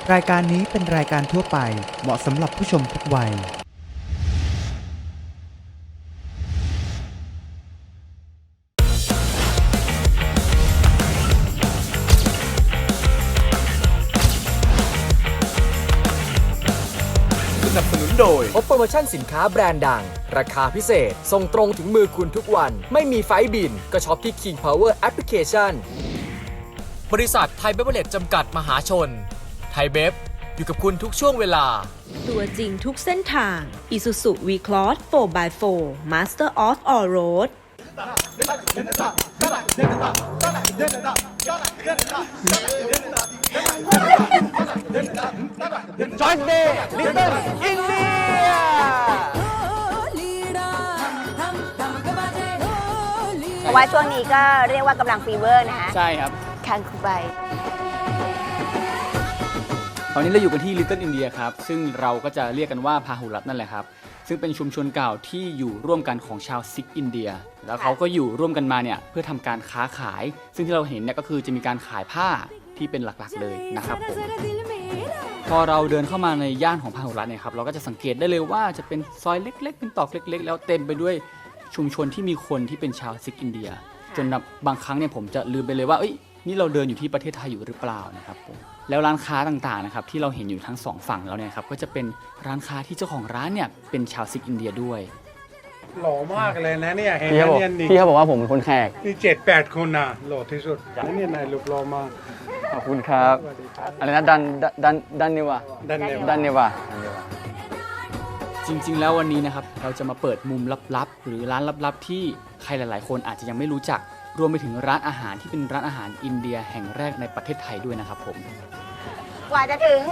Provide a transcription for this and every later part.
รายการนี้เป็นรายการทั่วไปเหมาะสำหรับผู้ชมทุกวัยสนับสนุนโดยพบโปรโมชั่นสินค้าแบรนด์ดังราคาพิเศษส่งตรงถึงมือคุณทุกวันไม่มีไฟล์บินก็ช็อปที่ King Power Application บริษัทไทยเบเวอร์เรจจำกัดมหาชนไทยเบฟอยู่กับคุณทุกช่วงเวลาตัวจริงทุกเส้นทาง Isuzu V-Cross 4x4 Master of All Road Join Day Little India เพราะว่าช่วงนี้ก็เรียกว่ากำลังฟีเวอร์นะคะใช่ครับคังคูไบตอนนี้เราอยู่กันที่ Little India ครับ ซึ่งเราก็จะเรียกกันว่าพาหุรัตน์นั่นแหละครับ ซึ่งเป็นชุมชนเก่าที่อยู่ร่วมกันของชาวซิกอินเดีย แล้วเขาก็อยู่ร่วมกันมาเนี่ยเพื่อทำการค้าขาย ซึ่งที่เราเห็นเนี่ยก็คือจะมีการขายผ้าที่เป็นหลักๆเลยนะครับผมพอเราเดินเข้ามาในย่านของพาหุรัตน์เนี่ยครับเราก็จะสังเกตได้เลยว่าจะเป็นซอยเล็กๆเป็นตอกเล็กๆแล้วเต็มไปด้วยชุมชนที่มีคนที่เป็นชาวซิกอินเดีย จนบางครั้งเนี่ยผมจะลืมไปเลยว่านี่เราเดินอยู่ที่ประเทศไทยอยู่หรือเปล่านะครับผมแล้วร้านค้าต่างๆนะครับที่เราเห็นอยู่ทั้งสองฝั่งแล้วเนี่ยครับก็จะเป็นร้านค้าที่เจ้าของร้านเนี่ยเป็นชาวซิกอินเดียด้วยหล่อมากเลยนะเนี่ยเห็นพี่ไหมเขาบอกเนี่ยนี่พี่เขาบอกว่าผมเป็นคนแขกนี่7-8 คนนะหล่อที่สุดเนี่ยนายลูกหล่อมากขอบคุณครับสวัสดีครับอะไรนะดันนิวะดันเนวดันเนวะจริงๆแล้ววันนี้นะครับเราจะมาเปิดมุมลับๆหรือร้านลับๆที่ใครหลายๆคนอาจจะยังไม่รู้จักรวมไปถึงร้านอาหารที่เป็นร้านอาหารอินเดียแห่งแรกในประเทศไทยด้วยนะครับผมกว่าจะถึง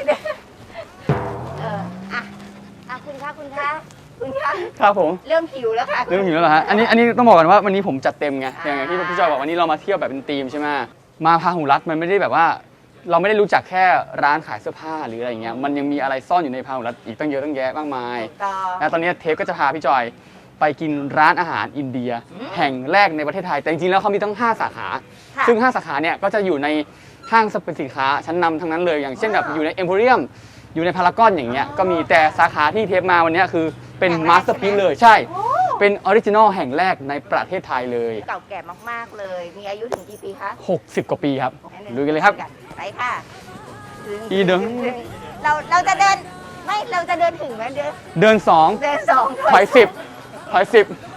คุณคะคุณคะครับผมเริ่มหิวแล้วค่ะเริ่มหิวแล้วเหรอฮะอันนี้ต้องบอกก่อนว่าวันนี้ผมจัดเต็มไงอย่างที่พี่จอยบอกวันนี้เรามาเที่ยวแบบเป็นธีมใช่ไหมมาพาหุรัตน์มันไม่ได้แบบว่า เราไม่ได้รู้จักแค่ร้านขายเสื้อผ้าหรืออะไรอย่างเงี้ยมันยังมีอะไรซ่อนอยู่ในพาหุรัตน์อีกตั้งเยอะตั้งแยะมากมายต่อและตอนนี้เทปก็จะพาพี่จอยไปกินร้านอาหารอินเดีย แห่งแรกในประเทศไทยแต่จริงๆแล้วเขามีตั้ง5 สาขา ซึ่ง5 สาขาเนี่ยก็จะอยู่ในห้างสรรพสินค้าชั้นนำทั้งนั้นเลยอย่างเช่นแบบอยู่ในเอ็มโพเรียมอยู่ในพารากอนอย่างเงี้ยก็มีแต่สาขาที่เทปมาวันนี้คือเป็นมาสเตอร์พีซเลยใช่เป็นออริจินอลแห่งแรกในประเทศไทยเลยเก่าแก่มากๆเลย มีอายุถึงกี่ปีคะ 60 กว่าปีครับลุยกันเลยครับไปค่ะอีเดินเราจะเดินไม่เราจะเดินถึงไหมเดินเดินสอง 2ถอย10ถอย10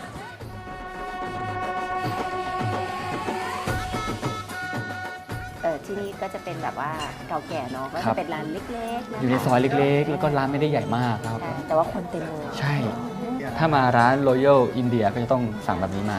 ที่นี่ก็จะเป็นแบบว่าเก่าแก่เนาะก็จะเป็นร้านเล็กๆนะคะอยู่ในซอยเล็กๆ แล้วก็ร้านไม่ได้ใหญ่มากครับใช่แต่ว่าคนเต็มเลยใช่ ถ้ามาร้าน Royal India ก็จะต้องสั่งแบบนี้มา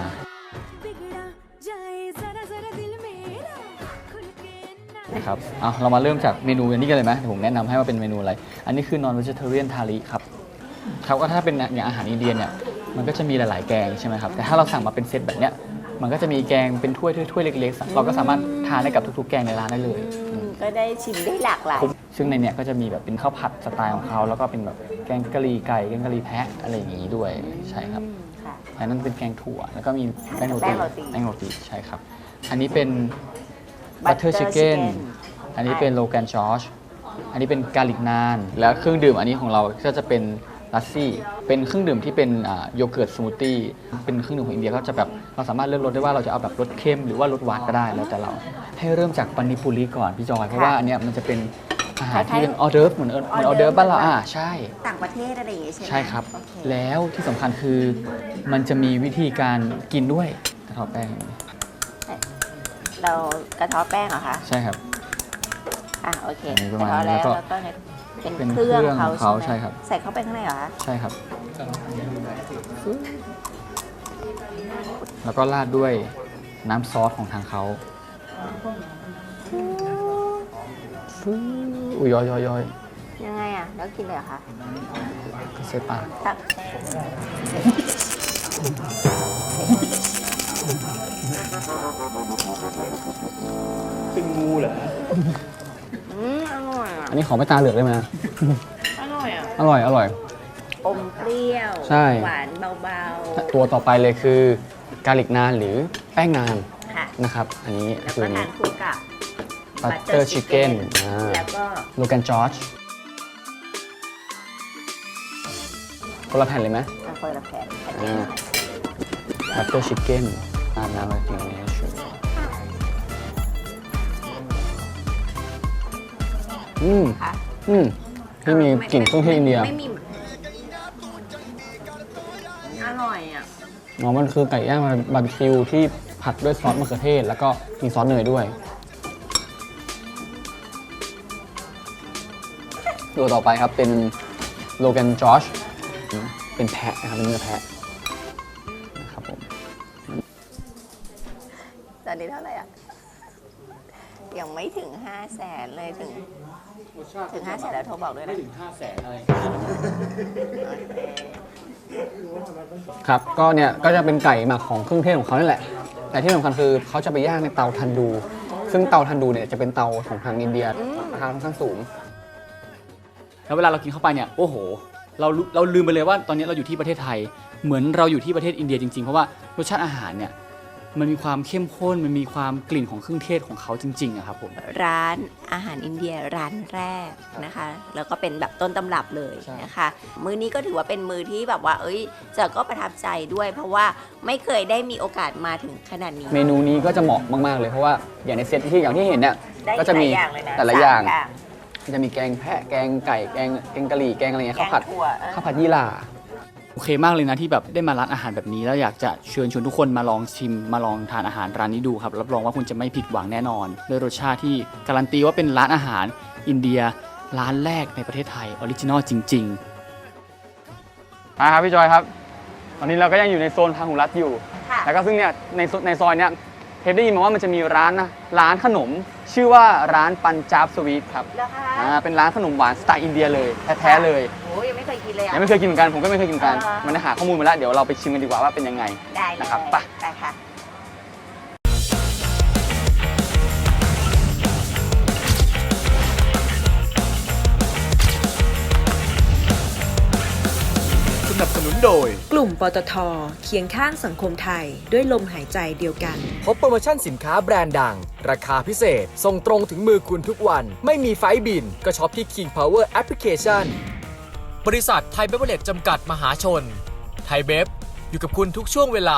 นะครับเอาเรามาเริ่มจากเมนูอันนี้กันเลยไหมเดี๋ยวผมแนะนำให้ว่าเป็นเมนูอะไร อันนี้คือ non vegetarian thali ครับครับก็ถ้าเป็นอย่างอาหารอินเดียเนี่ยมันก็จะมีหลายๆแกงใช่ไหมครับแต่ถ้าเราสั่งมาเป็นเซตแบบเนี้ยมันก็จะมีแกงเป็นถ้วยเล็กๆเราก็สามารถทานได้กับทุกๆแกงในร้านได้เลยก็ได้ชิมได้หลากหลายซึ่งในเนี้ยก็จะมีแบบเป็นข้าวผัดสไตล์ของเขาแล้วก็เป็นแบบแกงกะหรี่ไก่แกงกะหรี่แพะอะไรอย่างนี้ด้วยใช่ครับค่ะอันนั้นเป็นแกงถั่วแล้วก็มีแป้งโรแป้ตีงโรตีแป้งโรตีใช่ครับอันนี้เป็น Butter butter chicken chicken อันนี้เป็นโลแกนจอชอันนี้เป็นกาลิกนานแล้วเครื่องดื่มอันนี้ของเราก็จะเป็นลัสซี่เป็นเครื่องดื่มที่เป็นโยเกิร์ตสมูทตี้เป็นเครื่องดื่มของอินเดียก็จะแบบเราสามารถเลือกรสได้ว่าเราจะเอาแบบรสเค็มหรือว่ารสหวานก็ได้แล้วแต่เราให้เริ่มจากปานิปุรีก่อนพี่จอยเพราะว่าอันเนี้ยมันจะเป็นอาหารที่เป็นออเดิร์ฟเหมือนออเดิร์ฟบ้านเราใช่ต่างประเทศอะไรอย่างเงี้ยใช่ไหมใช่ครับโอเคแล้วที่สำคัญคือมันจะมีวิธีการกินด้วยกระเทาะแป้งเรากระเทาะแป้งเหรอคะใช่ครับโอเคอันนี้ประกมาระณนี้เทาะแล้แล้ววก็แล้วก็เนี่ยเป็นเป็นเครื่องเครื่องเขาของเขาใช่ไหมใช่ครับใส่เข้าไปข้างในเหรอคะใช่ครับ แล้วก็ราดด้วยน้ำซอสของทางเขาอุ้ยย้อยยังไงอ่ะแล้วกินเลยเหรอคะก็ใส่ปากตักเป็นงูเหรออร่อยอ่ะอันนี้ขอไม่ตาเหลือกได้ไหมอร่อยอ่ะอร่อยอมเปรี้ยวใช่หวานเบาตัวต่อไปเลยคือกาลิกนานหรือแป้งนานๆค่ะนะครับ อันนี้แล้วคือก็อันทานี้นคู่กับ Butter chicken แล้วก็โลแกนจอร์จคนละแผ่นเลยไหมคนละแผ่นบัตเตอร์ชิคเก้นอาบน้ำมากินเนื้อชูค่ะที่มีกลิ่นเครื่องเทศอินเดียไม่มีอร่อยอ่ะมันคือไก่ย่างบาร์บีคิวที่ผัดด้วยซอสมะเขือเทศแล้วก็มีซอสเนยด้วยตัวต่อไปครับเป็นโลแกนจอร์จเป็นแพะนะครับเป็นเนื้อแพะนะครับผมตอนนี้เท่าไหร่อ่ะ ยังไม่ถึง 500,000 เลยถึง 500,000 แล้วโทรบอกด้วยนะไม่ถึง 500,000 อะไรครับก็เนี่ยก็จะเป็นไก่หมักของเครื่องเทศของเขานี่แหละแต่ที่สำคัญคือเขาจะไปย่างในเตาทันดู ซึ่งเตาทันดูเนี่ยจะเป็นเตาของทางอินเดียราคาค่อนข้างสูงแล้วเวลาเรากินเข้าไปเนี่ยโอ้โหเราลืมไปเลยว่าตอนนี้เราอยู่ที่ประเทศไทยเหมือนเราอยู่ที่ประเทศอินเดียจริงๆเพราะว่ารสชาติอาหารเนี่ยมันมีความเข้มข้นมันมีความกลิ่นของเครื่องเทศของเขาจริงๆอะครับผมร้านอาหารอินเดียร้านแรกนะคะ แล้วก็เป็นแบบต้นตำรับเลยนะคะ มื้อนี้ก็ถือว่าเป็นมื้อที่แบบว่าจอยก็ประทับใจด้วย เพราะว่าไม่เคยได้มีโอกาสมาถึงขนาดนี้เมนูนี้ก็จะเหมาะมากๆเลยเพราะว่าอย่างในเซตที่อย่างที่เห็นเนี่ยได้ก็จะมีหลายอย่างเลยนะแต่ละอย่าง 3 อย่างจะมีแกงแพะแกงไก่แกงกะหรี่แกงอะไรเงี้ยแกข้าวงผัดถั่วข้าวผัดยี่หร่าโอเคมากเลยนะที่แบบได้มาร้านอาหารแบบนี้แล้วอยากจะเชิญชวนทุกคนมาลองชิมมาลองทานอาหารร้านนี้ดูครับรับรองว่าคุณจะไม่ผิดหวังแน่นอนด้วยรสชาติที่การันตีว่าเป็นร้านอาหารอินเดียร้านแรกในประเทศไทยออริจินอลจริงๆมาครับพี่จอยครับตอนนี้เราก็ยังอยู่ในโซนพาหุรัตน์อยู่ค่ะแล้วก็ซึ่งเนี่ยในซอยเนี้ยเทปได้ยินมาว่ามันจะมีร้านขนมชื่อว่าร้านปัญจาบสวีทครับแล้วค่ะเป็นร้านขนมหวานสไตล์อินเดียเลยแท้ๆเลยโอ้ยยังไม่เคยกินเลยอ่ะยังไม่เคยกินเหมือนกันผมก็ไม่เคยกินเหมือนกันอ่ามัมันได้หาข้อมูลมาแล้วเดี๋ยวเราไปชิมกันดีกว่าว่าเป็นยังไงได้เลยนะครับไปไปค่ะสนับสนุนโดยกลุ่มปตทเคียงข้างสังคมไทยด้วยลมหายใจเดียวกันพบโปรโมชั่นสินค้าแบรนด์ดัง ราคาพิเศษ ส่งตรงถึงมือคุณทุกวัน ไม่มีไฟล์บิน ก็ช็อปที่ King Power Application บริษัทไทยเบเวอร์เรจจำกัดมหาชน ไทยเบฟอยู่กับคุณทุกช่วงเวลา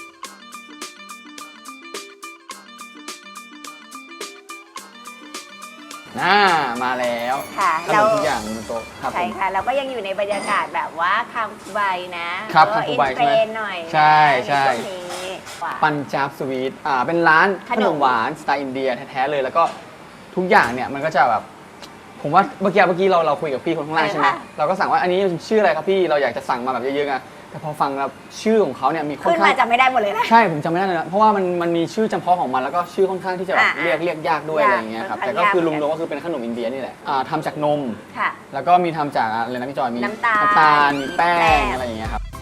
มาแล้วค่ะขนมทุกอย่างบนโต๊ะครับผใช่มค่ะ เราก็ยังอยู่ในบรรยากาศแบบว่าคังคูไบนะครับคังคูไบอินเทรนด์หน่อยนะใช่ใช่นช่วงนี้ปัญจาบสวีทเป็นร้านขขนนมมหวานสไตล์อินเดียแท้ๆเลยแล้วก็ทุกอย่างเนี่ยมันก็จะแบบผมว่าเมื่อกี้เราคุยกับพี่คนข้างล่างใช่ไหมเราก็สั่งว่าอันนี้ชื่ออะไรครับพี่เราอยากจะสั่งมาแบบเยอะๆอะแต่พอฟังแล้วชื่อของเขาเนี่ยมีค่อนขึ้นข้างมาจำไม่ได้หมดเลยนะใช่ผมจำไม่ได้เลยนะเพราะว่ามันมีชื่อจำเพาะของมันแล้วก็ชื่อค่อนข้างที่จะแบบอ่าเรียกยากด้วยยากอะไรอย่างเงี้ยครับค่อนข้างแต่ก็คือยากรวมๆก็คือเป็นขนมอินเดียนี่แหละทำจากนมค่ะแล้วก็มีทำจากอะไรนะพี่จอยมีน้ำตาลมีแป้มีแป้งงอะไรอย่างเงี้ยครับ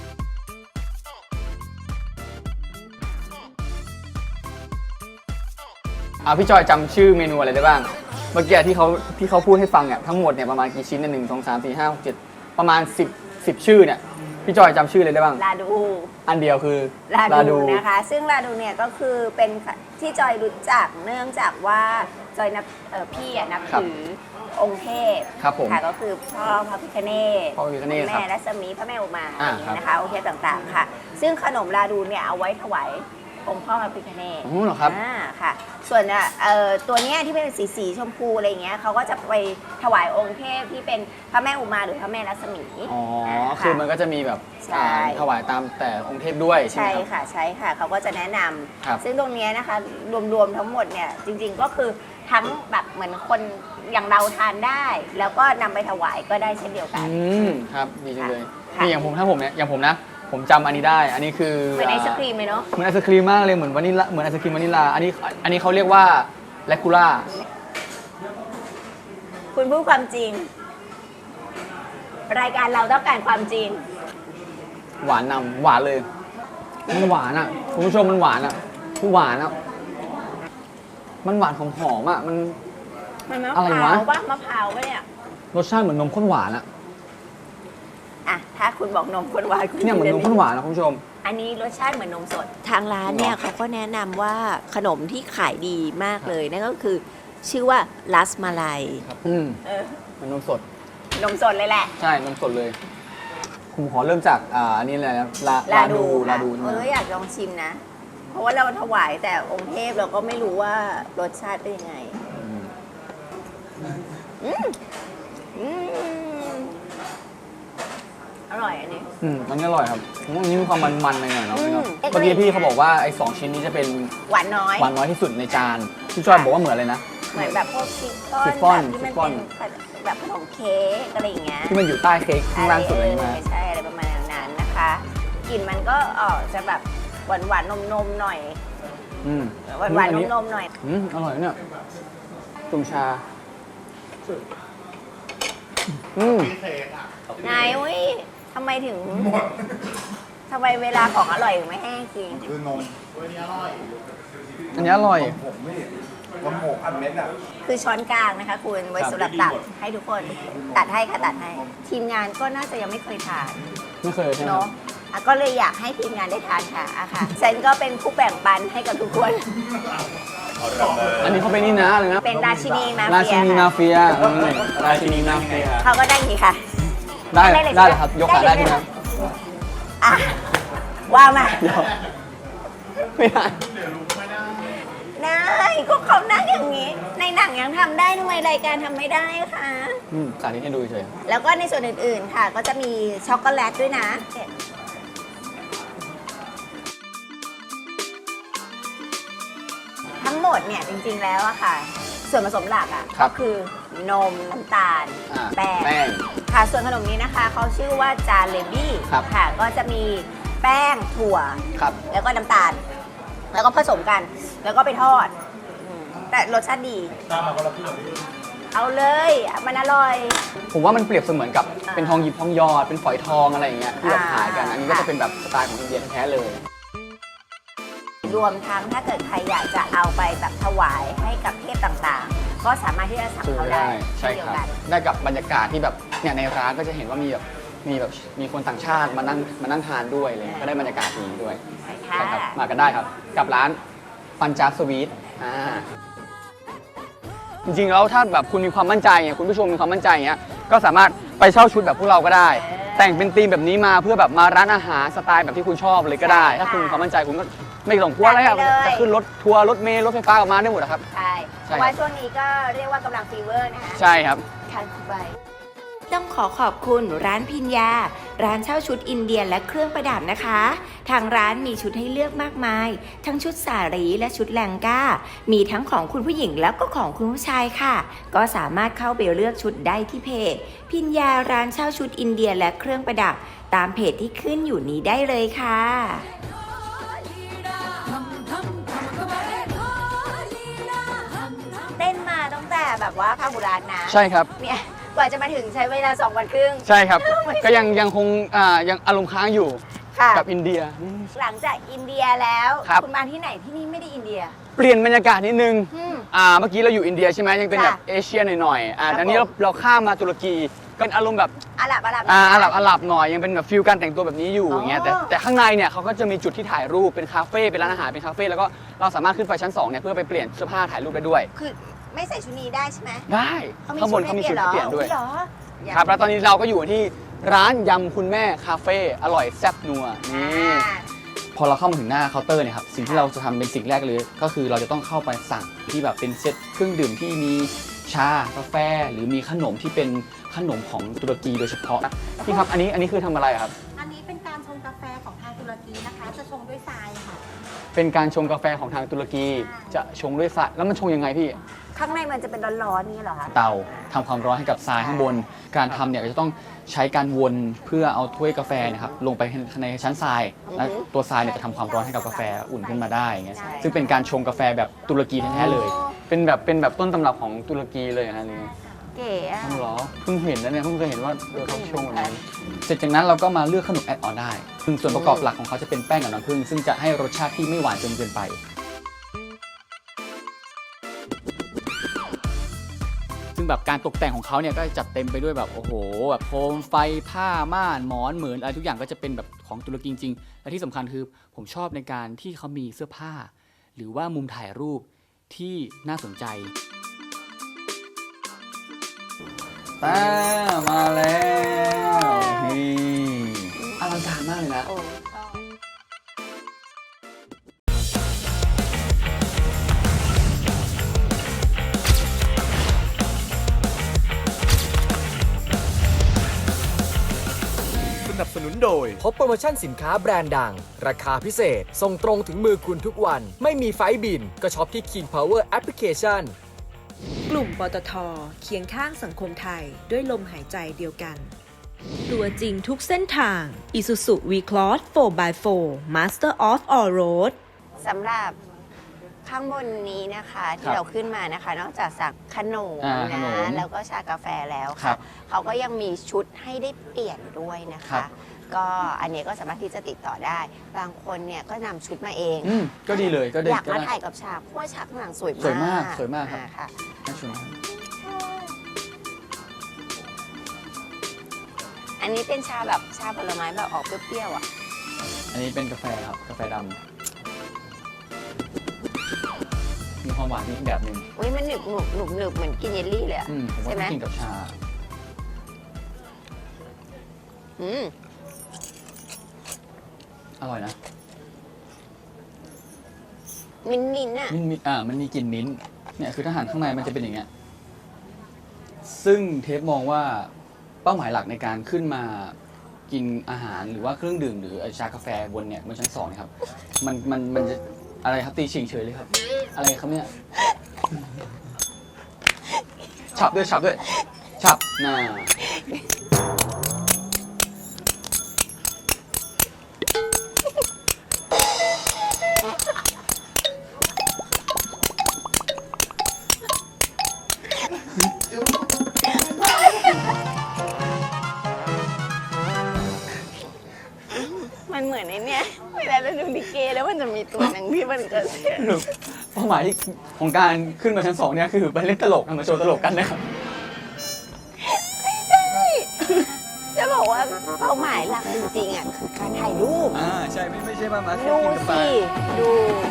พี่จอยจำชื่อเมนูอะไรได้บ้างเมื่อกี้ที่เขาพูดให้ฟังเนี่ยทั้งหมดเนี่ยประมาณกี่ชิ้นเนี่ย1 2 3 4 5 6 7ประมาณ10ชื่อเนี่ยพี่จอยจำชื่อเลยได้บ้างลาดูอันเดียวคือลาดูนะคะ ซึ่งลาดูเนี่ยก็คือเป็นที่จอยรู้จักเนื่องจากว่าจอยนับพี่นับถือองค์เทพครับผมค่ะก็คือพ่อพระพิฆเนศพ่อพระพิฆเนศแม่รัศมีพระแม่อุมาอะไรอย่างครับนี้นะคะองค์เทพต่างๆค่ะ ซึ่งขนมลาดูเนี่ยเอาไว้ถวายองค์พ่อพระพิฆเนศอ๋อเหรอครับค่ะ ส่วนตัวเนี้ยที่เป็นสีชมพูอะไรเงี้ยเขาก็จะไปถวายองค์เทพที่เป็นพระแม่อุมาหรือพระแม่รัศมีค่ะคือมันก็จะมีแบบใช่ถวายตามแต่องค์เทพด้วยใช่ไหใช่มครับค่ะใช่ค่ะเขาก็จะแนะนครับำซึ่งตรงเนี้ยนะคะรวมๆทั้งหมดเนี่ยจริงๆก็คือทั้งแบบเหมือนคนอย่างเราทานได้ แล้วก็นำไปถวายก็ได้เช่นเดียวกันครับดีจังเลยค่ะนี่อย่างผมอย่างผมนะผมจำอันนี้ได้ อันนี้คือเหมือนไอศครีมเลยเนาะเหมือนไอศครีมมากเลยเหมือนวานิลลาเหมือนไอศครีมวานิลลาอันนี้เขาเรียกว่าแลคูล่าคุณพูดความจริง รายการเราต้องการความจริงหวานนำหวานเลยมันหวานอ่ะคุณผู้ชมมันหวานอ่ะคือหวานอ่ะมันหวานหอมๆอ่ะมันมันมะอะไรพร้าววะปะมะพร้าวปะเนี่ยรสชาติเหมือนนมข้นหวานอ่ะอ่ะถ้าคุณบอกนมข้นหวานคุณเนี่ยเหมือนนมข้นหวานนะคุณผู้ชมอันนี้รสชาติเหมือนนมสด ทางร้านเนี่ยเขาก็แนะนำว่าขนมที่ขายดีมากเลยนั่นก็คือชื่อว่าลัสมาลัยครับเออมันนมสดนมสดเลยแหละใช่นมสดเลย ผมขอเริ่มจากอันนี้เลยนะลาดูค่ะใช่ไหมอยากลองชิมนะ เพราะว่าเราถวายแต่องค์เทพเราก็ไม่รู้ว่ารสชาติเป็นยังไง อร่อยอันนี้อันนี้อร่อยครับผมว่าอันนี้มีความมันๆหน่อยๆเนาะอืมเมื่อกี้พี่เขาบอกว่าไอ้2ชิ้นนี้จะเป็นหวานน้อยหวานน้อยที่สุดในจานพี่จอยบอกว่าเหมือนเลยนะเหมือนแบบพวกชิฟฟ่อนชิฟฟ่อนแบบที่มันชิฟฟ่อนเป็นแบบขนมเค้กอะไรอย่างเงี้ยที่มันอยู่ใต้เค้กข้างล่างสุดเลยใช่ไหมใช่อะไรประมาณนั้นนะคะกลิ่นมันก็ออกจะแบบหวานหวานนมๆหน่อยอืมหวานหวานอันมๆหน่อยอร่อยเนี่ยจุ่มชานายอุ้ยทำไมถึงทำไมเวลาของอร่อยถึงไม่แห้งจริงอันนี้อร่อยคือช้อนกลางนะคะคุณไว้สำหรับตัดให้ทุกคนตัดให้ค่ะตัดให้ ทีมงานก็น่าจะยังไม่เคยทานไม่เคยใช่ไหมเนาะอ่ะก็เลยอยากให้ทีมงานได้ทานค่ะอ่ะค่ะเซนก็เป็นผู้แบ่งปันให้กับทุกคนอันนี้เขาเป็นนี่นะอะไรนะเป็นราชินีมาราเฟีชิยนีมาค่ะเฟียราชินีมาเฟียเขาก็ได้อย่างนี้ค่ะได้ได้เลยได้ใช่ไหมเหรอครับยกขาได้ใช่ไหมอ่ะว่ามาเดี๋ยวไม่ได้ได้ก็เขานั่งอย่างนี้ ในหนังยังทำได้ทำไมรายการทำไม่ได้คะสาธิตให้ดูเฉยแล้วก็ในส่วนอื่นๆค่ะ ก็จะมีช็อกโกแลตด้วยนะ ทั้งหมดเนี่ยจริงๆแล้วอะค่ะ ส่วนผสมหลักอะก็คือนมน้ำตาล แป้งแป้งค่ะส่วนขนมนี้นะคะเขาชื่อว่าจาเลบี้ครับค่ะ ก็จะมีแป้งถั่วครับแล้วก็น้ำตาล แล้วก็ผสมกัน แล้วก็ไปทอดแต่รสชาติดีเอาเลยมันอร่อยผมว่ามันเปรียบเสมือนกับอ่าเป็นทองหยิบทองหยอดเป็นฝอยทองอะไรอย่างเงี้ยที่แบบขายกันอ่าอันนี้ก็จะเป็นแบบสไตล์ของอินเดียแท้ๆเลยรวมทั้งถ้าเกิดใครอยากจะเอาไปแบบถวายให้กับเทพต่างๆ ก็สามารถที่จะสั่งซื้อเขาได้ได้ใช่เช่นเดียคว รับกันได้กับบรรยากาศที่แบบเนี่ยในร้านก็จะเห็นว่ามีคนต่างชาติมานั่งทานด้วยเลยก็ได้บรรยากาศดีด้วยใช่ค่ะใช่ครับมากันได้ครับ กับร้านปัญจาบสวีทจริงๆแล้วถ้าแบบคุณมีความมั่นใจเนี่ยคุณผู้ชมมีความมั่นใจเงี้ยก็สามารถไปเช่าชุดแบบพวกเราก็ได้ แต่งเป็นธีมแบบนี้มาเพื่อแบบมาร้านอาหารสไตล์แบบที่คุณชอบเลยก็ได้ ถ้าคุณมีความมั่นใจคุณก็ไม่ต้องกลัวอะไรอะจะขึ้นรถทัวร์รถเมล์รถไฟฟ้าออกมาได้หมดนะครับใช่เพใช่ราะว่าช่วงนี้ก็เรียกว่ากำลังฟีเวอร์นะคะใช่ครับทานไปต้องขอขอบคุณร้านพิญญา ร้านเช่าชุดอินเดียและเครื่องประดับนะคะ ทางร้านมีชุดให้เลือกมากมาย ทั้งชุดสารีและชุดแลงก้า มีทั้งของคุณผู้หญิงแล้วก็ของคุณผู้ชายค่ะ ก็สามารถเข้าไปเลือกชุดได้ที่เพจ พิญญาร้านเช่าชุดอินเดียและเครื่องประดับ ตามเพจที่ขึ้นอยู่นี้ได้เลยค่ะเต้นมาตั้งแต่แบบว่าพาหุรัตน์นะใช่ครับเนี่ยกว่าจะมาถึงใช้เวลา2 วันครึ่งใช่ครับ ก็ยังคงยังอารมณ์ค้างอยู่ค่ะกับอินเดียหลังจากอินเดียแล้วครับณมาที่ไหนที่นี่ไม่ได้อินเดียเปลี่ยนบรรยากาศนิดนึงอืมเมื่อกี้เราอยู่อินเดียใช่ไหมยังเป็นแบบค่ะเอเชียหน่อยๆครับอันนี้เราข้ามมาตุรกีก็เป็นอารมณ์แบบอาหรับอาหรับหน่อยยังเป็นแบบฟิลการแต่งตัวแบบนี้อยู่อ๋ออย่างเงี้ยแต่ข้างในเนี่ยเขาก็จะมีจุดที่ถ่ายรูปเป็นคาเฟ่เป็นร้านอาหารเป็นคาเฟ่แล้วก็เราสามารถขึ้นไปชั้น2เนี่ยเพื่อไปเปลี่ยนเสื้อผ้าถ่ายรูปได้ด้วยคือไม่ใส่ชุดนี้ได้ใช่ไหมได้ข้างบนเขามีชุดให้เปลี่ยนด้วยเหรอครับแล้วตอนนี้เราก็อยู่ที่ร้านยำคุณแม่คาเฟ่อร่อยแซ่บนัวนี่ พอเราเข้ามาถึงหน้าเคาน์เตอร์เนี่ยครับสิ่งที่เราจะทำเป็นสิ่งแรกเลย ก็คือเราจะต้องเข้าไปสั่งที่แบบเป็นเซตเครื่องดื่มที่มีชากาแฟ หรือมีขนมที่เป็นขนมของตุรกีโดยเฉพาะพี่ครับอันนี้คือทำอะไรครับอันนี้เป็นการชงกาแฟของทางตุรกีนะคะ จะชงด้วยทรายค่ะเป็นการชงกาแฟของทางตุรกีจะชงด้วยทรายแล้วมันชงยังไงพี่ข้างในมันจะเป็นร้อนๆนี่เหรอคะเตาทำความร้อนให้กับทรายข้างบน การทำเนี่ยก็จะต้องใช้การวนเพื่อเอาถ้วยกาแฟเนะครับลงไปในชั้นทราย และตัวทรายเนี่ยจะทำความร้อนให้กับกาแฟอุ่นขึ้นมาได้อย่างเงี้ยซึ่งเป็นการชงกาแฟแบบตุรกีแท้ๆเลย เป็นแบบต้นตำรับของตุรกีเลยนะนี่เก๋อะต้องเหรอเพิ่งเห็นนะเนี่ยเพิ่งเคยเห็นว่าเขาชงแบบนี้เสร็จจากนั้นเราก็มาเลือกขนมแอดออนได้ซึ่งส่วนประกอบหลักของเขาจะเป็นแป้งกับน้ำผึ้งซึ่งจะให้รสชาติที่ไม่หวานจนเกินไป ซึ่งแบบการตกแต่งของเขาเนี่ยก็จัดเต็มไปด้วยแบบโอ้โหแบบโคมไฟผ้าม่านหมอนเหมือนอะไรทุกอย่างก็จะเป็นแบบของตุรกีจริงๆและที่สำคัญคือผมชอบในการที่เขามีเสื้อผ้า หรือว่ามุมถ่ายรูปที่น่าสนใจมาแล้วนี่อลังการมากเลยนะโอ้สนับสนุนโดยพบโปรโมชั่นสินค้าแบรนด์ดัง ราคาพิเศษ ส่งตรงถึงมือคุณทุกวัน ไม่มีไฟล์บิน ก็ช็อปที่ King Power Application กลุ่มปตท.เคียงข้างสังคมไทยด้วยลมหายใจเดียวกัน ตัวจริงทุกเส้นทาง Isuzu V-Cross 4x4 Master of All Road สำหรับข้างบนนี้นะคะคที่รับเราขึ้นมานะคะ นอกจากสั่งขนมขนนะมแล้วก็ชากาแฟแล้วครัค่ะบเขาก็ยังมีชุดให้ได้เปลี่ยนด้วยนะครัคะบก็อันนี้ก็สามารถที่จะติดต่อได้ บางคนเนี่ยก็นำชุดมาเองก็ดีเลยก็ได้อยากก็มาได้ถ่ายกับฉากเพราะว่าฉากข้างหลังสวยมากสวยมากสวยมากครับค่ะน่าชมอันนี้เป็นชาแบบชาผลไม้แบบออกเปรี้ยวๆอ่ะอันนี้เป็นกาแฟครับกาแฟดำมีความหวานอีกแบบหนึ่งอุ้ยมันหนึบหนุบหนุบหนึบเหมือนกินเยลลี่เลยอะผมว่าใช่ไหมต้องกินกับชาอืมอร่อยนะมิ้นท์มิ้นท์อะมันมีกลิ่นมิ้นท์เนี่ยคือถ้าหั่นข้างในมันจะเป็นอย่างเงี้ยซึ่งเทปมองว่าเป้าหมายหลักในการขึ้นมากินอาหารหรือว่าเครื่องดื่มหรือชากาแฟบนเนี่ยบนชั้น2เนี่ยครับมันจะอะไรครับตีฉิงเฉยเลยครับ อะไรครับเนี่ยฉับด้วยฉับน่ามันเหมือนไอ้เนี่ยเวลาเราดูลิเกแล้วมันจะมีตัวหนังที่มันเกิดเป้าหมายของการขึ้นมาชั้น2เนี่ยคือไปเล่นตลกมาโชว์ตลกกันนะครับจะบอกว่าเป้าหมายหลักจริงๆอ่ะคือการถ่ายรูปใช่ไม่ใช่ว่ามาแค่ดูกินกาแฟสิดู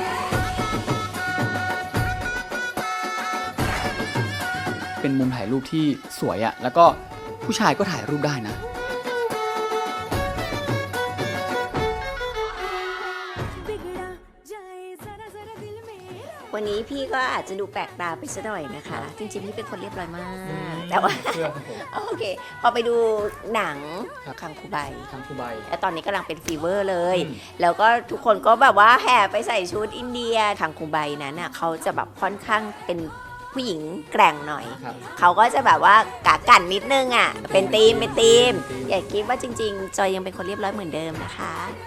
เป็นมุมถ่ายรูปที่สวยอะแล้วก็ผู้ชายก็ถ่ายรูปได้นะวันนี้พี่ก็อาจจะดูแปลกตาไปสักหน่อยนะคะ จริงๆพี่เป็นคนเรียบร้อยมาก แต่ว่าเชื่อผมโอเค พอไปดูหนังครับคังคูใบทางคูใบแล้วตอนนี้กำลังเป็นฟีเวอร์เลยอืมแล้วก็ทุกคนก็แบบว่าแห่ไปใส่ชุดอินเดียคังคูใบนั้นน่ะเขาจะแบบค่อนข้างเป็นผู้หญิงแกร่งหน่อยครับเขาก็จะแบบว่ากากันนิดนึงอ่ะ เป็นธีมอย่าคิดว่าจริง ๆ จอยยังเป็นคนเรียบร้อยเหมือนเดิมนะคะ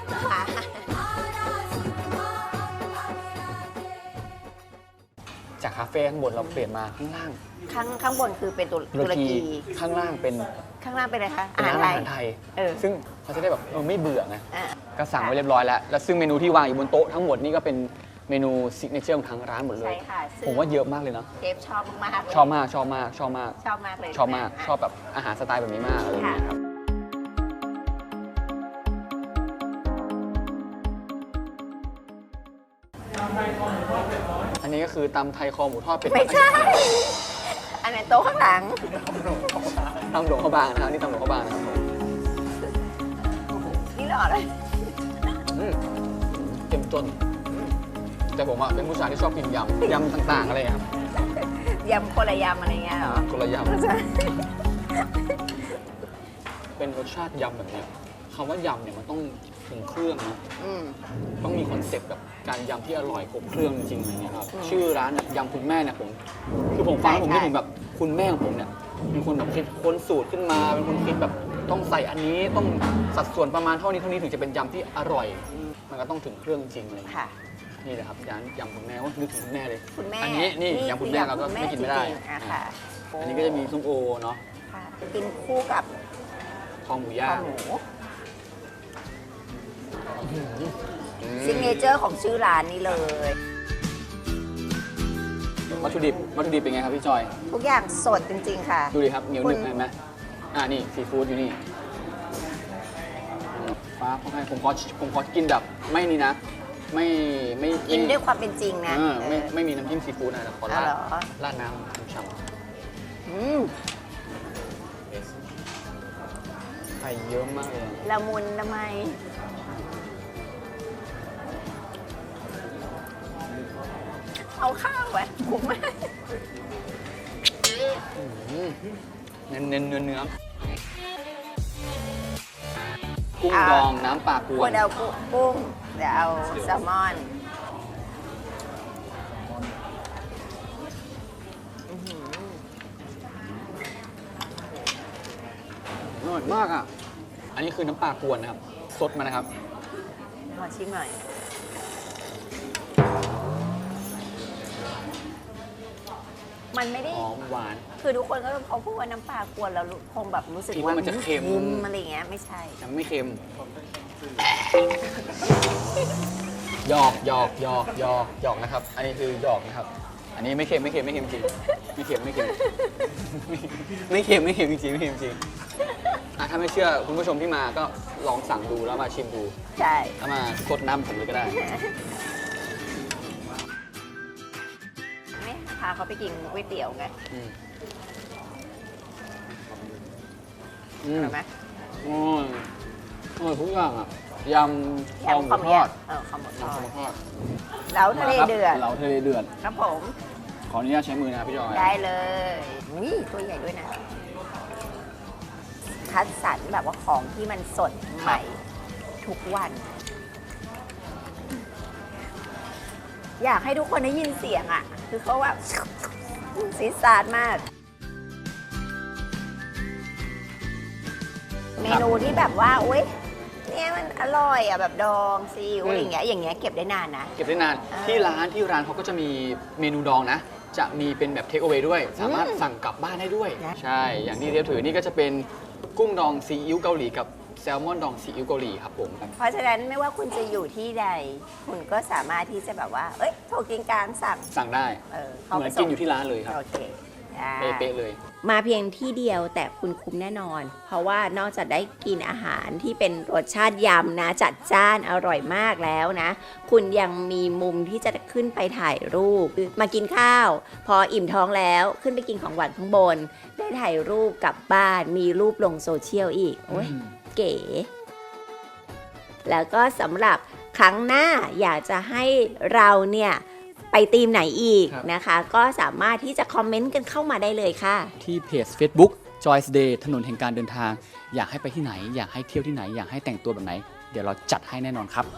จากคาเฟ่ข้างบนเราเปลี่ยนมาข้างล่างข้างบนคือเป็นตุรกีข้างล่างเป็นข้างล่างเป็นอะไรคะเป็นร้านอาหารไทยเออซึ่งเขาจะได้แบบไม่เบื่อไงอ่ะก็สั่งไว้เรียบร้อยแล้ว แล้วซึ่งเมนูที่วางอยู่บนโต๊ะทั้งหมดนี่ก็เป็นเมนูซิกเนเจอร์ของทางร้านหมดเลใช่ยค่ะซึ่งผมว่าเยอะมากเลยนะเชฟชอบมากๆชอบมากชอบมากชอบมากชอบมากเลยชอบมากชอบแบบอาหารสไตล์แบบนี้มากอะไรอย่างเงี้ยครับ อันนี้ก็คือตำไทยคอหมูทอดเป็ดไม่ใช่ อันไหนโต๊ะข้างหลังตำหลวงข้าวบางนะครับนี่ตำหลวงข้าวบางนะครับผมนี่หล่อเลยอืมเต็มจนแต่ผมอะเป็นผู้ชายที่ชอบกินยำต่างๆอะไรอย่างเงี้ยครับยำคนละยำอะไรเงี้ยเหรอคนละยไม่ใช่ำเป็นรสชาติยำแบบเนี้ยคำว่ายำเนี่ยมันต้องถึงเครื่องนะอืมต้องมีคอนเซ็ปต์แบบการยำที่อร่อยครบเครื่องจริงๆอะไรเงี้ยครับอืมชื่อร้านเนี่ยยำคุณแม่เนี่ยคือผมฟังแล้วผมใช่นึกถึงแบบคุณแม่ของผมเนี่ยเป็นคนแบบคิดค้นสูตรขึ้นมาเป็นคนคิดแบบต้องใส่อันนี้ต้องสัดส่วนประมาณเท่านี้ถึงจะเป็นยำที่อร่อย มันก็ต้องถึงเครื่องจริงอะไรเงี้ยค่ะนี่แหละครับร้านยำคุณแม่ว่านึกถึงคุณแม่เลยคุณแม่อันนี้นี่ยำคุณแม่เราก็ไม่กินไม่ได้จริงๆอ่ะค่ะอันนี้ก็จะมีส้มโอเนาะค่ะกินคู่กับคอหมูคย่าอง หมูซิกเนเจอร์ของชื่อร้านนี้เลยวัตถุดิบเป็นไงครับพี่จอยทุกอย่างสดจริง ๆ ค่ะดูดิครับเหนียวหนึบคุณเห็นไหมนี่ซีฟู้ดอยู่นี่ฟ้าเขาให้ผมขอกินแบบไม่นี่นะ ไม่กินด้วยความเป็นจริงนะไม่มีน้ำจิ้มซีฟู้ดนะแต่ขออ๋อเหรอราดน้ำฉ่ำอืมข่เยอะมากเลยละมุนทำไมเอาข้าวไว้คุ้มไหมเนื้อกุ้งดองน้ำปลากวควรนเอากุ้งเดี๋ยวเอาแซลมอนอร่อยมากอ่ะ อันนี้คือน้ำปลากวนนะครับสดมานะครับมาชิมหน่อย มันไม่ได้หอมหวานคือทุกคนก็พอพูดว่าน้ำปลากวนแล้วคงแบบรู้สึกคิดว่าว่ามันจะเค็มอะไรอย่างเงี้ยไม่ใช่ยังไม่เค็มหยอกนะครับ อันนี้คือหยอกนะครับ อันนี้ไม่เค็มจริงไม่เค็มจริงอ่ะถ้าไม่เชื่อคุณผู้ชมที่มาก็ลองสั่งดูแล้วมาชิมดูใช่แล้วมาสดน้ำผมเลยก็ได้ไม่พาเขาไปกินก๋วยเตี๋ยวไงอืมอร่อยไหมโอ้ยทุกอย่างอ่ะยำคอหมูทอดข้าวหมูทยำอคอหดมูทอดแล้วทะเลเดือดเหลาทะเลเดือดครับผมขออนุญาตใช้มือนะครับพี่จอยได้เลยนี่ตัวใหญ่ด้วยนะ คัดสรรแบบว่าของที่มันสดใหม่ทุกวัน อยากให้ทุกคนได้ยินเสียงอ่ะ คือเขาแบบซีดซาดมาก เมนูที่แบบว่าอุ๊ยเนี่ยมันอร่อยอ่ะแบบดองซีอิ๊วอะไรอย่างเงี้ยเก็บได้นานนะเก็บได้นานอ่าที่ร้านเขาก็จะมีเมนูดองนะ จะมีเป็นแบบเทคเอาไว้ด้วย สามารถสั่งกลับบ้านได้ด้วยนะใช่ อย่างที่เรียบถือนี่ก็จะเป็นกุ้งดองซีอิ๊วเกาหลีกับแซลมอนดองซีอิ๊วเกาหลีครับผมเพราะฉะนั้นไม่ว่าคุณจะอยู่ที่ใด คุณก็สามารถที่จะแบบว่า เอ้ยโทรกินกลางสั่งได้เขาเหมือนกินอยู่ที่ร้านเลยครับโอเคได้เป๊ะๆเลยมาเพียงที่เดียวแต่คุณคุ้มแน่นอน เพราะว่านอกจากได้กินอาหารที่เป็นรสชาติยำนะจัดจ้านอร่อยมากแล้วนะ คุณยังมีมุมที่จะขึ้นไปถ่ายรูป มากินข้าว พออิ่มท้องแล้วขึ้นไปกินของหวานข้างบน ได้ถ่ายรูปกลับบ้านมีรูปลงโซเชียลอีกโอ้ยเก๋ แล้วก็สำหรับครั้งหน้าอยากจะให้เราเนี่ยไปทีมไหนอีกครับนะคะ ก็สามารถที่จะคอมเมนต์กันเข้ามาได้เลยค่ะที่เพจ Facebook Joy's Day ถนนแห่งการเดินทาง อยากให้ไปที่ไหน อยากให้เที่ยวที่ไหน อยากให้แต่งตัวแบบไหน เดี๋ยวเราจัดให้แน่นอนครับ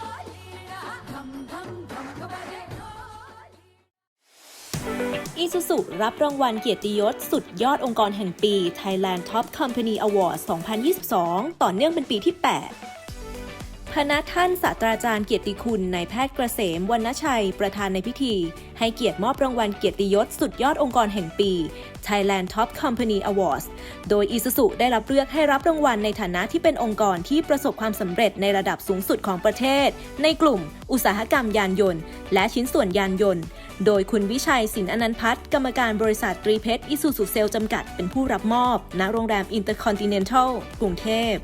Isuzu รับรางวัลเกียรติยศสุดยอดองค์กรแห่งปี Thailand Top Company Award 2022 ต่อเนื่องเป็นปีที่ 8 พระท่านศาสตราจารย์เกียรติคุณนายแพทย์เกษมวรรณชัยประธานในพิธี ให้เกียรติมอบรางวัลเกียรติยศสุดยอดองค์กรแห่งปี Thailand Top Company Awards โดย Isuzu ได้รับเลือกให้รับรางวัลในฐานะที่เป็นองค์กรที่ประสบความสำเร็จในระดับสูงสุดของประเทศ ในกลุ่มอุตสาหกรรมยานยนต์และชิ้นส่วนยานยนต์ โดยคุณวิชัยสินอนันต์พัฒน์กรรมการบริษัทตรีเพชร Isuzu Sales จำกัดเป็นผู้รับมอบณโรงแรม Intercontinental กรุงเทพ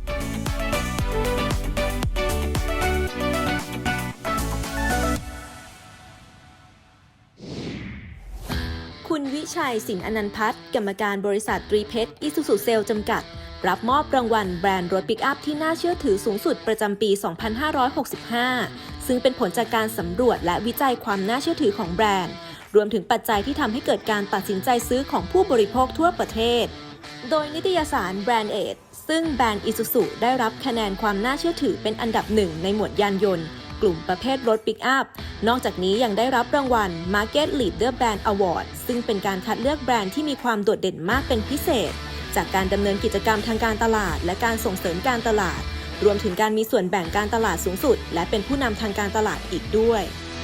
คุณวิชัยสินอนันต์พัฒน์กรรมการบริษัทตรีเพชร Isuzu Sales จำกัด รับมอบรางวัลแบรนด์รถปิกอัพที่น่าเชื่อถือสูงสุดประจำปี 2565 ซึ่งเป็นผลจากการสำรวจและวิจัยความน่าเชื่อถือของแบรนด์ รวมถึงปัจจัยที่ทำให้เกิดการตัดสินใจซื้อของผู้บริโภคทั่วประเทศ โดยนิตยสาร Brand Age ซึ่งแบรนด์ Isuzu ได้รับคะแนนความน่าเชื่อถือเป็นอันดับหนึ่งในหมวดยานยนต์ กลุ่มประเภทรถปิกอัพ นอกจากนี้ยังได้รับรางวัล Market Leader Brand Award ซึ่งเป็นการคัดเลือกแบรนด์ที่มีความโดดเด่นมากเป็นพิเศษ จากการดำเนินกิจกรรมทางการตลาดและการส่งเสริมการตลาด รวมถึงการมีส่วนแบ่งการตลาดสูงสุด และเป็นผู้นำทางการตลาดอีกด้วย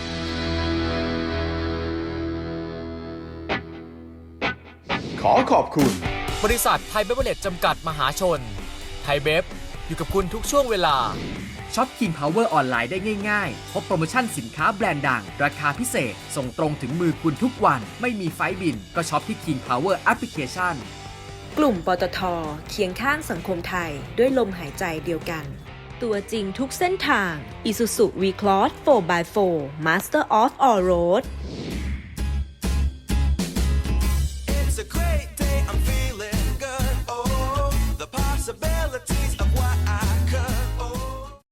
ขอขอบคุณบริษัทไทยเบเวอร์เรจจำกัดมหาชน ไทยเบฟอยู่กับคุณทุกช่วงเวลาช็อป King Power ออนไลน์ได้ง่ายๆ พบโปรโมชั่นสินค้าแบรนด์ดัง ราคาพิเศษ ส่งตรงถึงมือคุณทุกวัน ไม่มีไฟล์บิน ก็ช็อปที่ King Power Application กลุ่มปตท.เคียงข้างสังคมไทยด้วยลมหายใจเดียวกัน ตัวจริงทุกเส้นทาง Isuzu V-Cross 4x4 Master of All Road